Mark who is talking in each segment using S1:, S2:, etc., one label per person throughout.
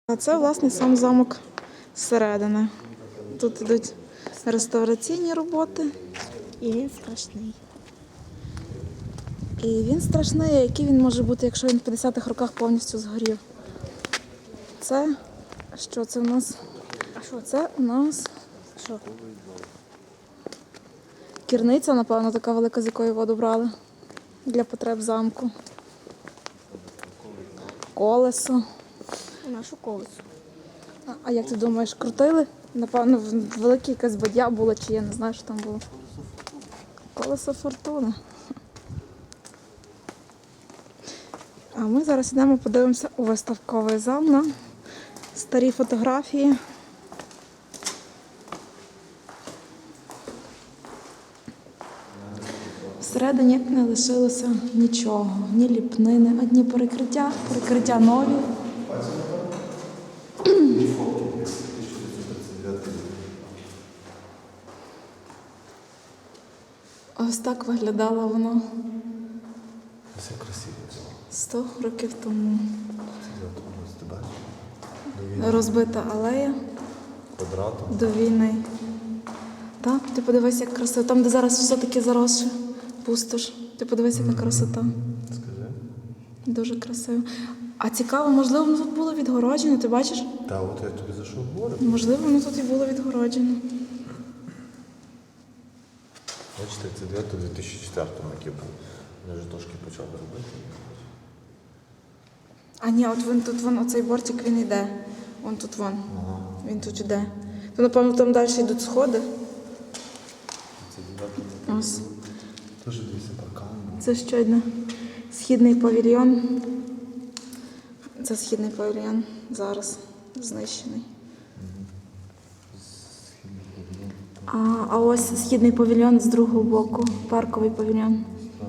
S1: А це, власне, сам замок зсередини. Тут йдуть реставраційні роботи.
S2: І він страшний.
S1: І він страшний, а який він може бути, якщо він в 50-х роках повністю згорів. Це, що це у нас?
S2: А що
S1: Це у нас
S2: Що?
S1: кірниця, напевно, така велика, з якої воду брали для потреб замку. Колесо.
S2: Нашу колесо.
S1: А як ти думаєш, крутили? Напевно, велике якась бадя було, чи я не знаю, що там було. Колесо фортуни. А ми зараз йдемо, подивимося у виставковий зал на старі фотографії. Всередині не лишилося нічого, ні ліпнини, одні перекриття нові. Ось так виглядало воно
S3: Все красиво.
S1: 100 років тому. Розбита алея
S3: Квадратом.
S1: до війни. Так, ти подивись, як красиво. Там, де зараз все таке заросше, пустош. Ти подивись, яка красота.
S3: Скажи.
S1: Дуже красиво. А цікаво, можливо, воно тут було відгороджено, ти бачиш?
S3: Та от я тобі за що говорю.
S1: Можливо, воно тут і було відгороджено.
S3: Бачите, це 9 у 2004 році був. Вони вже трошки почали робити.
S1: А ні, от він тут, оцей бортик, він йде. Вон тут вон.
S3: Ага.
S1: Він тут йде. То, напевно, там далі йдуть сходи.
S3: Це 9
S1: Ось.
S3: Теж дивіться паркан був.
S1: Це ще одне. Східний павільйон. Це східний павільйон зараз знищений. А ось східний павільйон з другого боку. Парковий павільйон.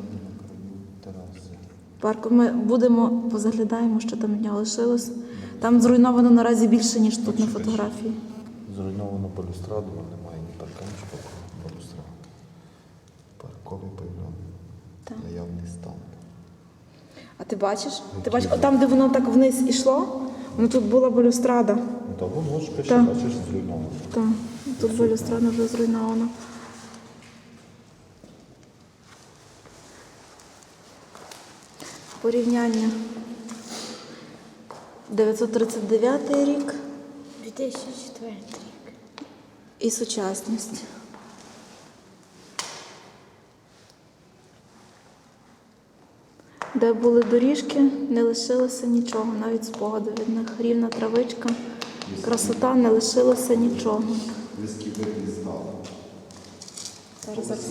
S1: Парку. Ми будемо, позаглядаємо, що там від нього лишилось. Там зруйновано наразі більше, ніж тут на фотографії.
S3: Зруйновано балюстраду, немає ні парканчика, ні балюстради. Парковий павільйон.
S1: Так.
S3: Наявний стан.
S1: А ти бачиш? Ти бачиш, там, де воно так вниз ішло, воно тут була балюстрада.
S3: Ну та воно ж пише,
S1: Так.
S3: бачиш, зруйновано.
S1: Так, тут балюстрада вже зруйнована. Порівняння. 939 рік
S2: 2004 рік.
S1: і сучасність. Де були доріжки, не лишилося нічого, навіть спогаду від них. Рівна травичка, красота, не лишилося нічого.
S3: Близький вигляд здав.
S1: Зараз.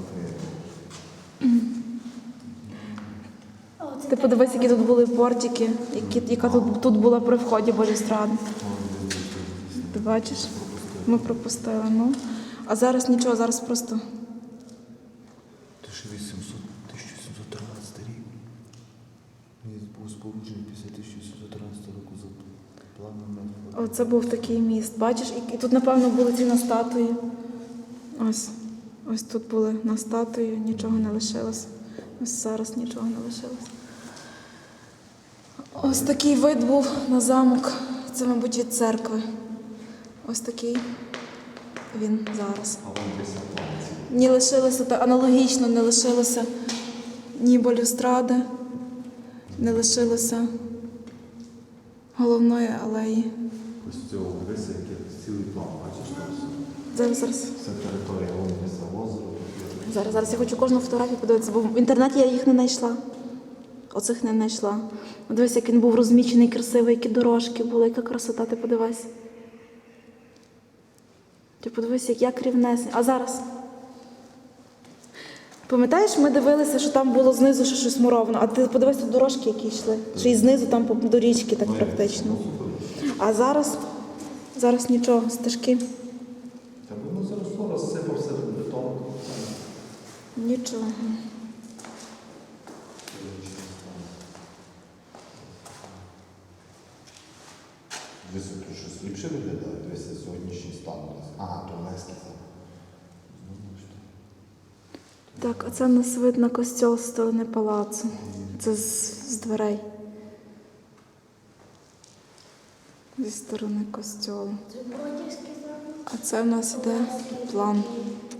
S2: О, це
S1: Ти подивись, які тут були портики, яка тут була при вході балюстради. Ти бачиш? Ми пропустили, ну. А зараз нічого, зараз просто
S3: 1713 рік. Він був споруджений після 1713 року за планом.
S1: оце був такий міст. Бачиш, і тут, напевно, були ці на статуї. Ось тут були на статуї, нічого не лишилось. Ось зараз нічого не лишилось. Ось такий вид був на замок. Це, мабуть, від церкви. Ось такий він зараз. Не лишилося, аналогічно не лишилося ні балюстради, не лишилося головної алеї.
S3: Ось цього дивися, який цілий план, бачиш?
S1: Зараз.
S3: Це територія Лондонського озера.
S1: Зараз я хочу кожну фотографію подивитися, бо в інтернеті я їх не знайшла. Оцих не знайшла. Дивись, як він був розмічений, красивий, які дорожки були, яка красота, ти подивись. Ти подивись, як рівнесень. А зараз? Пам'ятаєш, ми дивилися, що там було знизу ще щось муровано, а ти подивись, тут дорожки, які йшли. Ще й знизу там до річки так практично. А зараз нічого, стежки.
S3: Та воно заросло, розсипався бетон.
S1: Нічого.
S3: Дивися, тут щось ліпше виглядає, дивися, сьогоднішній стан. Ага, то Леський.
S1: Так, а це у нас видно костьол з сторони палацу. Це з дверей. зі сторони костьолу.
S2: Це Бродівський замок.
S1: А це в нас іде план